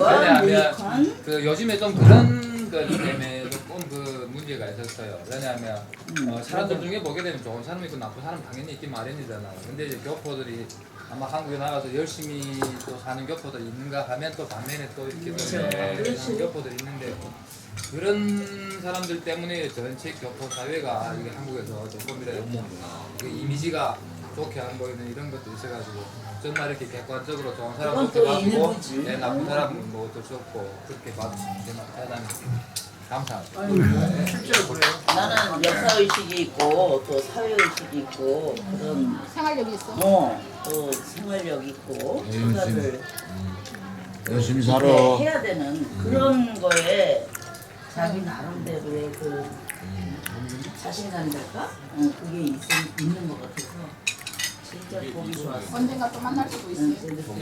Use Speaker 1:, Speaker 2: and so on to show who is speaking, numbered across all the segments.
Speaker 1: 거야?
Speaker 2: 왜냐하면
Speaker 1: 모니콘?
Speaker 2: 그 요즘에 좀 그런 것 때문에 조금 그 문제가 있었어요. 왜냐하면 사람들 중에 보게 되면 좋은 사람이 있고 나쁜 사람 당연히 있기 마련이잖아요. 근데 이제 교포들이 아마 한국에 나가서 열심히 또 사는 교포들이 있는가 하면 또 반면에 또 이렇게 또 사는 교포들이 있는데 그런 사람들 때문에 전체 교포 사회가 이게 한국에서 조금이라도 그 이미지가 좋게 안 보이는 이런 것도 있어가지고 정말 이렇게 객관적으로 좋은 사람 좋게 봐주고 네, 나쁜 사람은 뭐 어쩔 수 없고 그렇게 봐주시면 대단히 감사합니다.
Speaker 3: 실제로 그래요.
Speaker 1: 나는 역사의식이 있고 또 사회의식이 있고 그런
Speaker 4: 생활력이 있어.
Speaker 1: 또 생활력 있고 생각을
Speaker 5: 열심히 살아.
Speaker 1: 이렇게 해야 되는 그런 거에 자기 나름대로의 그 자신감이랄까? 그게 있는 것 같아서 진짜 보기 좋았어.
Speaker 4: 언젠가 또 만날 수도 있어요.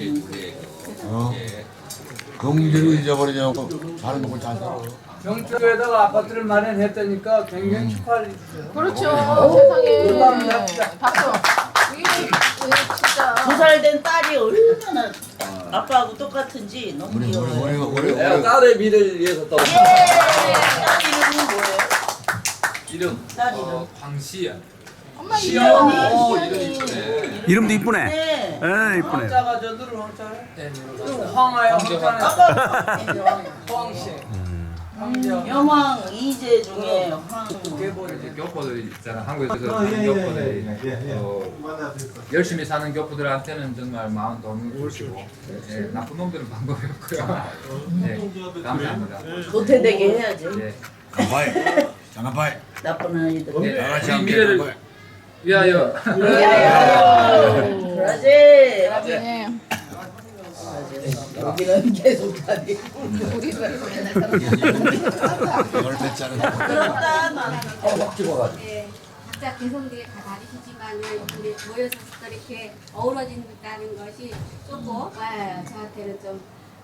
Speaker 5: 그 문제를 잊어버리냐고 사는 걸 잘 살아.
Speaker 3: 경주에다가 아파트를 마련했다니까 굉장히 축하를 해주세요.
Speaker 4: 그렇죠. 세상에. 박수. 이게 진짜.
Speaker 1: 2살 된 딸이 얼마나 아빠하고 똑같은지 너무
Speaker 5: 우리
Speaker 1: 귀여워요.
Speaker 6: 내가 딸의 미래를 위해서 또
Speaker 1: 예! 딸 이름은 뭐예요?
Speaker 6: 이름
Speaker 1: 딸 이름.
Speaker 2: 황시연.
Speaker 4: 엄마
Speaker 1: 시연이.
Speaker 6: 이름 이쁘네.
Speaker 7: 이름도 이쁘네.
Speaker 1: 네.
Speaker 7: 이쁘네.
Speaker 3: 황자가 저들은 황자래.
Speaker 2: 네,
Speaker 3: 그럼 황하야 황자네.
Speaker 1: 아빠
Speaker 3: 황씨.
Speaker 1: 여왕 이제 중에 황.
Speaker 2: 이제 교포들이 있잖아 한국에서 사는 교포들이 열심히 사는 교포들한테는 정말 마음 너무 좋으시고 예, 나쁜 놈들은 방법이 없고요. 예, 감사합니다.
Speaker 1: 도태되게 해야지.
Speaker 2: 예.
Speaker 5: 장갑파이. 장갑파이.
Speaker 1: 나쁜 아이들.
Speaker 2: 네,
Speaker 5: 다 같이
Speaker 2: 우리
Speaker 5: 함께
Speaker 2: 미래를
Speaker 5: 장갑파이.
Speaker 2: 위하여.
Speaker 1: 그러지.
Speaker 4: 네.
Speaker 1: 여기는 계속 가니.
Speaker 5: 이걸 뱉자는
Speaker 1: 그렇다.
Speaker 8: 네, 각자 개성들이 다 다르시지만은 우리 모여서 또 이렇게 어우러진다는 것이 조금 저한테는 좀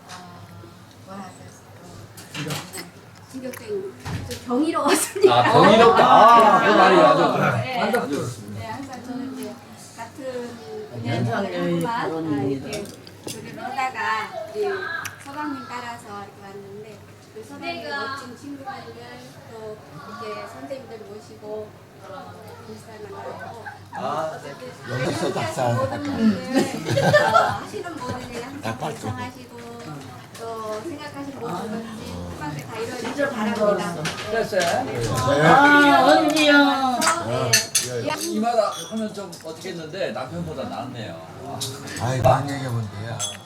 Speaker 8: 충격적인 좀 경이로웠습니다.
Speaker 2: 아, 경이롭다. 그 말이 아주
Speaker 8: 네, 항상 저는 이제 같은 연상녀만 이렇게 교류를 하다가 우리 서방님 따라서 이렇게 왔는데 그 서방님 멋진 친구분들 또 이렇게 선생님들 모시고 인사를 나누고
Speaker 5: 여기서 닭살.
Speaker 8: 모든 분들 하시는 모든 일 항상 발성하시고 또 생각하시는 모든 것들이 뜻밖에 다 이루어지길 바랍니다.
Speaker 1: 아, 언니 형.
Speaker 6: 이 말 하면 좀 어떻게 했는데 남편보다 낫네요.
Speaker 5: 아이, 그런 얘기하면 돼요.